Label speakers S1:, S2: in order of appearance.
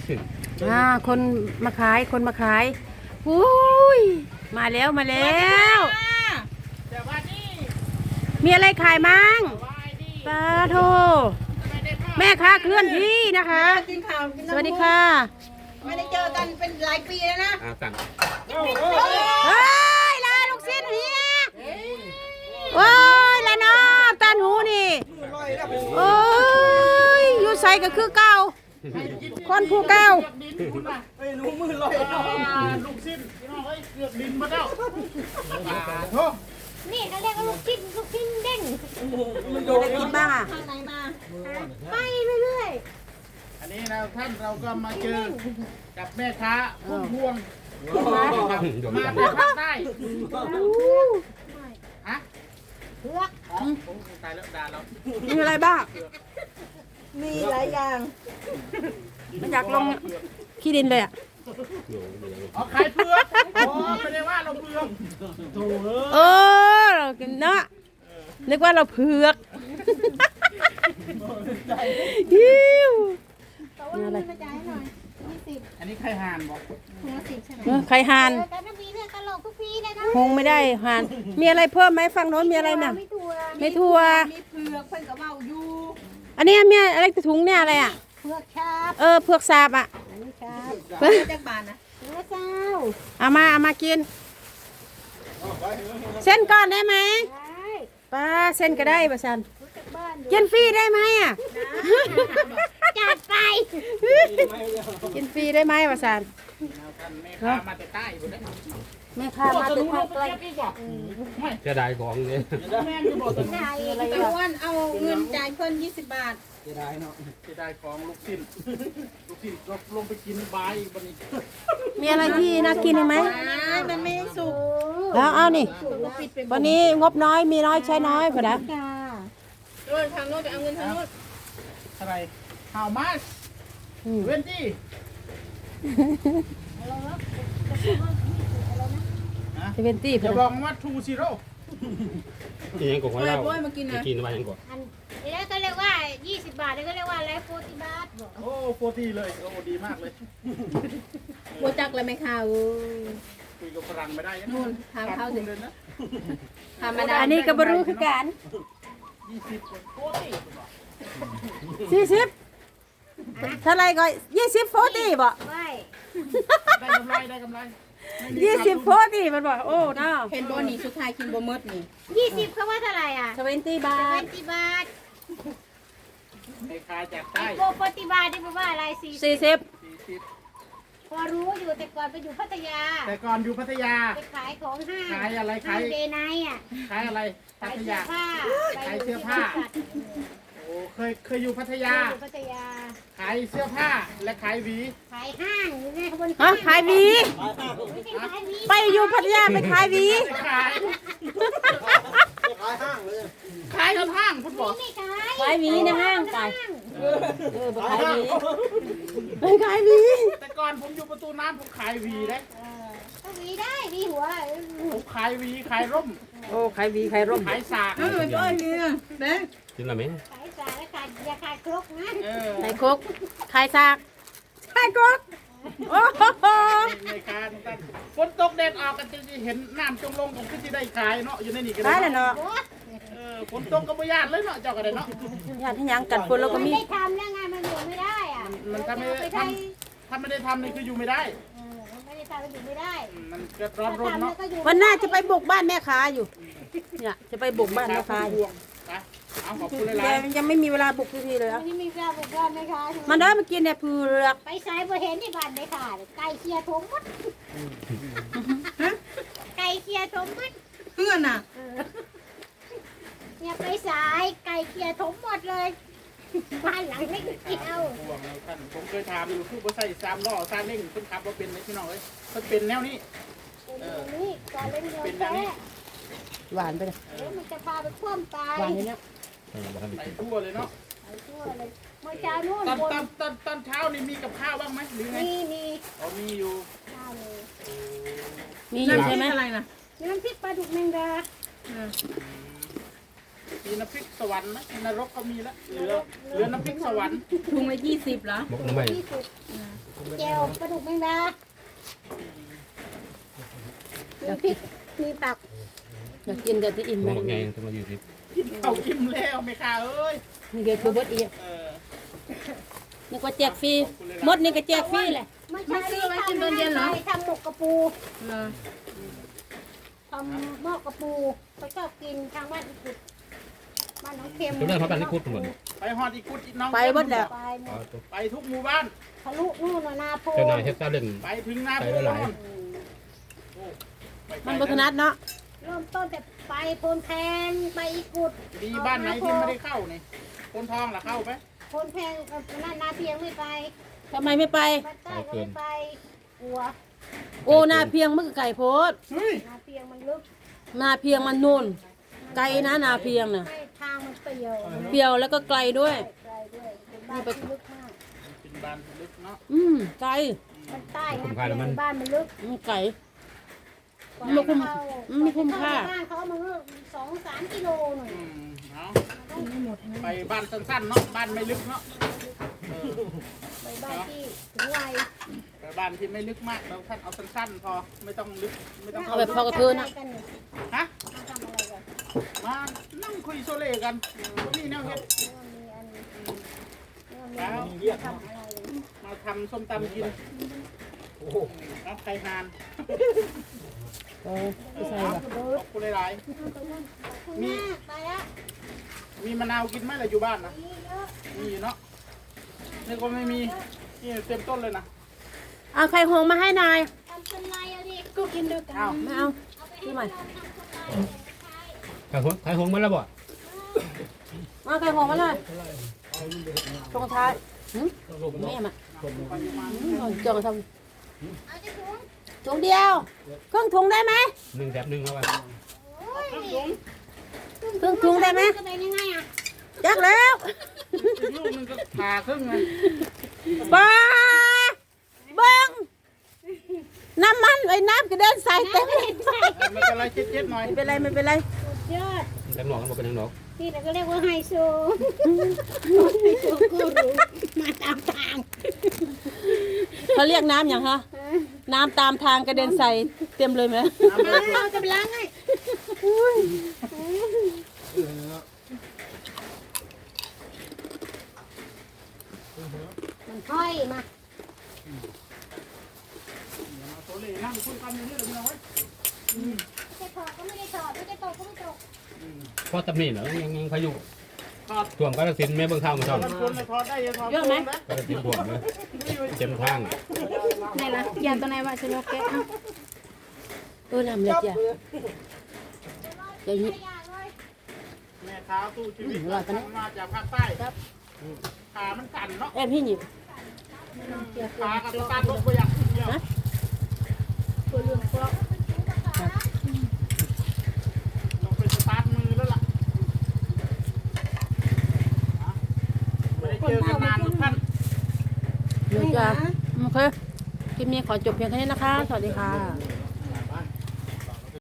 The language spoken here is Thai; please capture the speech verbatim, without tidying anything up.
S1: อ่าคนมาขายคนมาขายอุ้ยมาแล้วมาแล้วมีอะไรขายมั่งปลาโทแม่ค้าเคลื่อนที่นะคะสวัสดีค่ะ
S2: ไม่ได้เจอกันเป็นหลายปีแล้วนะ
S3: อ่าสั่ง
S1: เฮ้ยลาลูกชิ้นเฮียโอ้ยละเนาะตันหูนี่โอ้ยอยู่ใส่ก็คือเก่าคนผู้เก่า
S4: ลูกชิ้นเฮ้ยเกือบดินมาแล้ว
S2: นี่เขาเรียกว่าลูกชิ้นลูกชิ้นเด้ง
S1: มันโดนกินบ้างอ่ะ
S2: ทางไหนมาไปเรื่อย
S4: ๆอันนี้นะท่านเราก็มาเจอกับแม่ค้าพุ่มพวงมาแต่ภาคใต้ฮะ
S2: เผือก
S4: ตายแล้วด่าเรา
S1: มีอะไรบ้าง
S2: มีหลายอย่าง
S1: มันอยากลงขี้ดินเลยอ่ะ
S4: อ๋อขายเผือกอ๋อไม่ได้ว่าเราเผือกโถ่
S1: เออเรากินเนาะนึกว่าเราเผือกฮิว
S2: อะไรมาจ่ายหน่อยยี่สิบ
S4: อันนี้ไข่ห่านบอก
S2: ห้าสิบใช่ไหม
S1: ไข่ห่าน
S2: แต่ถ้ามีเรื่องตลกทุกปีเลยนะ
S1: คงไม่ได้ห่านมีอะไรเพิ่มไหมฝั่งโน้นมีอะไรน่ะไม่ทั่ว
S2: มีเผือกเพิ่นก็เมาอยู่
S1: อันนี้มีอะไรถุงเนี่ยอะไรอ่ะ
S2: เผือกชาบ
S1: เออเผือกสาบอ่ะ
S2: อันนี้ชาบเผือกจากบ้านนะเผือกเจ้า
S1: เอามาเอามากินเส้นก่อนได้ไหม
S2: ได้
S1: ป้าเส้นก็ได้ป้าชันกินฟรีได้ไหมอ่ะ
S2: จัดไป
S1: กินฟรีได้ไหมป้าชัน
S4: แม่ค้ามาแต่ใต้หมดเลย
S1: แม่ค้ามาแต่ภาคใต้
S3: จะได้ของเนี่ย
S4: แม่จะบอกตรงนี้
S2: อะไรตะวันเอาเงินจ่ายเพิ่นยี่สิบบาท
S4: จะได้เนาะจะได้ของลูกชิ้นลูกชิ้นลงลงไปกินบายบันนี้
S1: มีอะไรที่น่ากินไหม
S2: มันไม่สุก
S1: แล้วเอานี่วันนี้งบน้อยมีน้อยใช้น้อยพอนะ
S2: โดนทางโน้นไปเอาเงินทางโน้น
S4: อะไร How much เวนตี้
S1: เซเวนตี้
S4: จะบอกว่าทูซีโร่
S3: ยังกว่าเรากินกินมายังกว่า
S2: แล้วก็เรียกว่ายี่สิบบาทแล้วก็เรียกว่าอะไรโฟร์ตี้บาท
S4: โอ้โฟร์ตี้เลยโอ้ดีมากเลย
S2: โบจักเลยไหมคะ
S4: คุยกับฝรั่งไม่ได้
S2: นู่นทางเข้าเลย
S4: นะ
S1: ธรรมดาอันนี้ก็บรู้คือกัน
S4: ยี่สิบโฟร์ตี้
S1: สี่สิบเท่าไรก็ยี่สิบโฟร์ตี้บ่
S2: ได้
S4: ได้กำไรได้กำไร
S1: ยี่สิบโฟร์ตี้มันบอกโอ้น้า
S2: เห็นบนนี่สุดท้ายกินบะมดนี่ยี่สิบเขาว่าเท่าไรอ่ะ
S1: เซเวนตี้บาท
S2: เซเวนตี้บาท
S4: ในคายจากใต้
S2: โกโปติบาทนี่แปลว่าอะไรสี่
S1: สี่สิบ
S2: พอรู้อยู่แต่ก่อนไปอยู่พัทยา
S4: แต่ก่อนอยู่พัทยา
S2: ไปขายของห้าง
S4: ขายอะไรขาย
S2: เดย์ไนท์อ่ะ
S4: ขายอะไรพัทยาขายเสื้อผ้าโอ้เคยเคยอยู่พัทยา
S2: พัทยา
S4: ขายเสื้อผ้าและขายหวี
S2: ขายห้างอยู่ในขบวน
S1: อ๋อขายหวีไปอยู่พัทยาไปขายหวี
S4: ขายขายห้างเลยขายทั้งห้างคุณบอก
S1: ขายหวีในห้างไปเออไปขายหวีไปขายหวี
S4: แต่ก่อนผมอยู่ประตูน้ำผมขายหวีได้
S2: ก็หวีได้หวีหัว
S4: ผมขายหวีขายร่ม
S1: โอ้ขายหวีขายร่ม
S4: ขายสาก
S2: เออจ้อยเนี่ยเด้
S3: กินอะไรไหม
S2: ขายสากแล้วขายอย่าขายครกนะ
S1: ขายครกขายสากขายครกโอ้โห
S4: ในการฝนตกแดดออกกันจะเห็นน้ำจงลงของขึ้นที่ได้ขายเนาะอยู่ในนี่กัน
S1: ได้เลยเนาะ
S4: ฝนตกก็ไม่ยากเลยเนาะเจ้ากันเลยเนาะ
S1: ยากที่ยังกัดฝนแล้วก็มี
S2: ไม่ได้ทำแล้วไงมันอยู่ไม่ได้อ่ะ
S4: มันถ้าไม่ได้ทำถ้าไม่ได้ทำนี่คืออยู่ไม่ได้
S2: ไม่ได้ทำอยู่ไม่ได้
S4: มันก็ร้อนรนเนาะ
S1: วันหน้าจะไปบุกบ้านแม่ค้าอยู่เนี่ยจะไปบุกบ้านแม่ค้าอยู่
S4: เอาขอบคุณเลยล่
S1: ะยังไม่มีเวลาบุกทีเลย
S2: ไม่มีเวลาบุกบ้านแม่ค้า
S1: มันได้มากินเนี่ยเผือก
S2: ไปสายบ่เห็นที่บ้านแม่ค้าไก่เคี่ยทมมดไก่เคี่ยทมมด
S1: เพื่อนอ่ะ
S2: เนี่ยไปสายไก่เคี่ยทมหมดเลยบ้านหลังไม่เกี่ยว
S4: ผมเคยถามอยู่ผู้บริษัทสามล้อซาเล้งเพิ่นขับว่าเป็นไหมพี่น้องเอ้ยเพิ่นเป็นแนวนี้
S2: เออนี่ก่อนเล่น
S4: เป็นแนวนี้
S1: หวานไปเลย
S2: มันจะพาไปคว่ำตาย
S1: หวานนี่เนี่ย
S4: ใส่ทั่วเลยเนาะ
S2: ใส่ทั่วเลยเมื่อเช้านู่น
S4: ตอนตอนตอนตอนเช้านี่มีกับข้าวบ้างไหมหรือไง
S2: มีมี
S4: อ๋อมีอยู่
S1: มีอยู่ใช่ไหม
S2: อะไรนะน้ำพริกปลาดุกแมงดา
S4: มีน้ำพริกสวรรค์นะนรกก็มีแล้วเหลือเหลือน้ำพริกสวรรค์
S5: ถุงละยี่สิบเหรอ
S3: มกน้ำใหม่
S2: ที่สุดแก้วปลาดุกแมงดามีพริกมีผัก
S1: อยากกินแต่ที่อิ่ม
S3: ม
S1: ไหม
S3: กไงต้องมาอยู่ที่
S4: กินข้าวกินแล้วไม่ค่าเอ้ย
S1: นี่เกตัวเบดอีก
S4: เออ
S1: นี่ก็แจกฟรีมดนี่ก็แจกฟรีแหละ
S2: ไม่ใช่ซื้อไว้กินตอนเย็นเหรอทำหมกกระปู
S5: เหรอ
S2: ทำหม้อกระปูเขาชอบกินทางบ้านอีกุดบ้านน้องเค็ม
S3: ตัวเรื่องเขาเป็นนิคุดหมด
S4: ไปฮอดอีกุดอีน้อง
S1: ไปเบดแล้ว
S2: ไปหมด
S4: ไปทุกหมู่บ้าน
S2: ทะลุนู่นน่ะนาโพ
S3: เจ้านายเฮ็ดตาเล่น
S4: ไปถึงหน้า
S3: ไป
S4: โพ
S3: หลาย
S4: นู่น
S1: มันบถนัดเนาะ
S2: เริ่มต้นแต่ไปโพนแพงไปอีกุด
S4: ดีบ้านไหนที่ไม่ได้เข้านี่คนทองล่ะเข้าไป
S2: โพนแพงกับนานาเพียงไม่ไป
S1: ทำไมไม่ไป
S2: บ้านใต้ก็ไม่ไปกลัว
S1: โอ้นาเพียงมันก็ไก่โพด
S4: เฮ้ย
S2: นาเพียงมันลึก
S1: นาเพียงมันนู่นไกลนะนาเพียงน่ะ
S2: ไม่ทางมันเปรี่ยว
S1: เปรียวแล้วก็ไกลด้วย
S2: ไกลด้วยเป็นบ้านที่ลึกมาก
S4: เป็นบ้านลึกเนาะ
S1: อืมไกล
S2: บ้านใต้นะเพียงบ้านมันลึก
S1: มันไกล
S2: กว่า
S1: ไม่คุ้ม
S2: จะเข้า
S1: ไม่คุ้มค่า
S2: บ้านเขามันก็สองสามกิโลหน่อย
S4: อืมเอาไปบ้านสั้นๆเนาะบ้านไม่ลึกเนาะเออ
S2: ไปบ้านที่ถึงวัย
S4: ไปบ้านที่ไม่ลึกมากเราท่านเอาสั้นๆพอไม่ต้องลึกไม่ต้อง
S1: เอาแบบพอกระเทือนนะ
S2: ทำอะไรกันเนี่ย
S4: ฮะ
S2: มาทำอะไรกัน
S4: มานั่งคุยโซเล่กันตรงนี้แนวเฮ็ด
S2: เรื่องมีอันเรื่องมีทำอะไรกัน
S4: มาทำส้มตำกินรับไข่ฮาน
S1: เออ
S4: เออเอาขอบคุณหลาย
S2: มีไปแล้ว
S4: ๆมีมะนาวกินไหมล่ะอยู่บ้านนะ
S2: มีเยอะ
S4: มีอยู่เนาะนี่ก็ไม่มีนี่เต็มต้นเลยนะ
S1: เอาไข่หงมาให้นาย
S2: ทำเป็นไรอะดิก็กินด้วยกัน
S4: อ้าว
S1: ไม่เอาที่ใหม่
S3: ขายหงขายหงมาแล้วบ่
S1: เอาไข่หงมาเลยตรงท้ายหืมแม่มาหืมเอาจองท
S2: เอาจะถุง
S1: ำถุงเดียวครึ่งถุงได้ไหม
S3: หนึ่งแบบหนึ่งแล้วว่า
S2: โอ้ย
S1: ครึ่งถุงได้ไหม
S2: จะเป็นยังไงอะ
S1: จักแล้ว
S4: อีกลูกหนึงก็ผ่าครึ่งเลย
S1: ปลาเบิ้งน้ำมันไอ้น้ำกระเด็นใส่เต็มเลย
S4: เออไม่เป็นไรเจ็ดๆหน่อย
S1: ไม่เป็นไรไม่เป็นไร
S2: สุดยอด
S3: แต่หนอกมันบ่เป็นหนอก
S2: ที่เราก็เรียกว่าไฮโซไฮโซกูรูมาตามทาง
S1: เขาเรียกน้ำอย่างฮะน้ำตามทางกระเด็นใส่เต็มเลยไหม
S4: น้ำเลย
S2: เราจะไปล้างให้มันค่อยมา
S4: โซเล่นั่งคุยกันอยู่นี่เลยมึงเอาไว้
S2: ไม่ได้ถอดก็ไม่ได้ถอดไม่ได้ตกก็ไม่ตก
S3: พอตำนี่เหรอยังยังพายุ
S4: ถอด
S3: ท่วมกาฬสินธุ์แม่เบิ่งทางมาช่อน
S4: มันควรจะถอดได้ยังถอด
S1: เยอะไหม
S3: กาฬสินธุ์ท่วมเลยเต็มทาง
S1: ไหนล่ะยานตัวไหนวะฉันว่าแกะเอาเออลำเลยจ้ะอย่างนี้
S2: ไม่ยากเลย
S4: แม่ค้าตู้ชีวิต
S1: อืมอร่อยปะเนี่ย
S4: มาจากภาคใต้ครับขามันสั่นเนาะ
S1: แอบพี่หยิบ
S4: ขากับสตาร์ทรถไปอย่างเดียว
S2: ตัวเรื่องฟอก
S4: ต้องไปสตาร์ทมือแล้วล่ะไม่ได้เจอกันนานทุกท่าน
S1: เดี๋ยวจ้ะโอเคคลิปนี้ขอจบเพียงแค่นี้นะคะ สวัสดีค่ะ